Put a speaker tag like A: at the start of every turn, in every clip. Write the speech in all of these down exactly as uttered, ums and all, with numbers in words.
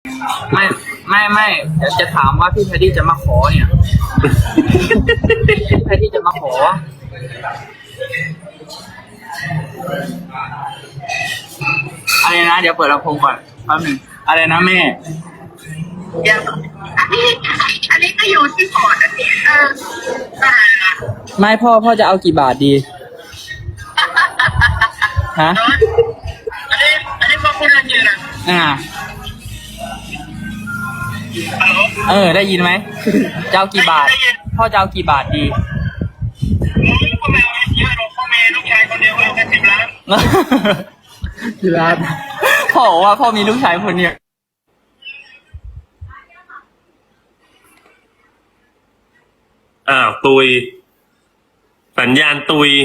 A: ไม่ไม่ไม่เดี๋ยวจะถามว่าพี่แพดดี้จะมาขอเนี่ยพี่แพดดี้จะมาขออะไรนะเดี๋ยวเปิดลำโพงก่อนแป๊บหนึงอะไรนะแม่
B: ยังอันนี้อันนี้ก็อยู่ที่พอร์ตอันนี้เอออ่า
A: ไม่พ่อพ่อจะเอากี่บาทดีฮะ
B: อันนี้อันนี้มาพูดอะไรอยู่นะ
A: อ่า
B: ฮัลโหล
A: เออได้ยินไหมจะเอากี่บาทพ่อจะเอากี่บาทดี
B: พ่อแม่เยอะหรอกพ่อแม่ลูกชายคนเดียวเอาแค่สิบล้าน
A: กี่ล้านพ่อบอกว่าพ่อมีลูกชายคนเดียว
C: อ้าวตุย สัญญาณตุย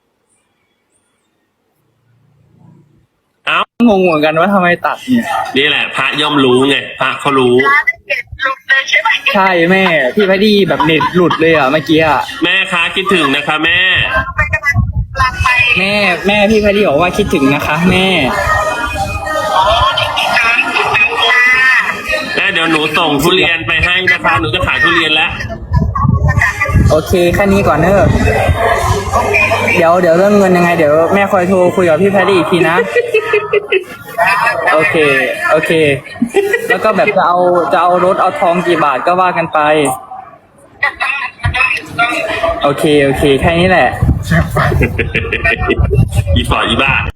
C: เอ้าง
A: งเหมือนกันว่าทำไมตัดเนี่ย
C: นี่แหละ พระย่อมรู้ไง พระเขารู้
B: ล้านเจ็ดลุกเลยใช่ไหม
A: ใช่แม่พี่แพดดี้แบบเน็ตหลุดเลยอ่ะเมื่อกี้อ่ะ
C: แม่คะคิดถึงนะคะแม่
B: ไปกำลังลางไป
A: แม่แม่พี่แพดดี้บอกว่าคิดถึงนะคะ แม่
B: อ๋อที่ที่สามที่สามค่ะ
C: แม่เดี๋ยวหนูส่งทุเรียนไปให้นะคะ หนูจะขายทุเรียนแล้ว
A: โอเคแค่นี้ก่อนเนอะเดี๋ยวเดี๋ยวเรื่องเงินยังไงเดี๋ยวแม่คอยโทรคุยกับพี่แพดดี้อีกทีนะ โอเค โอเค แล้วก็แบบจะเอาจะเอารถเอาทองกี่บาทก็ว่ากันไป โอเค โอเค แค่นี้แหละ
C: อีฝออีบ้า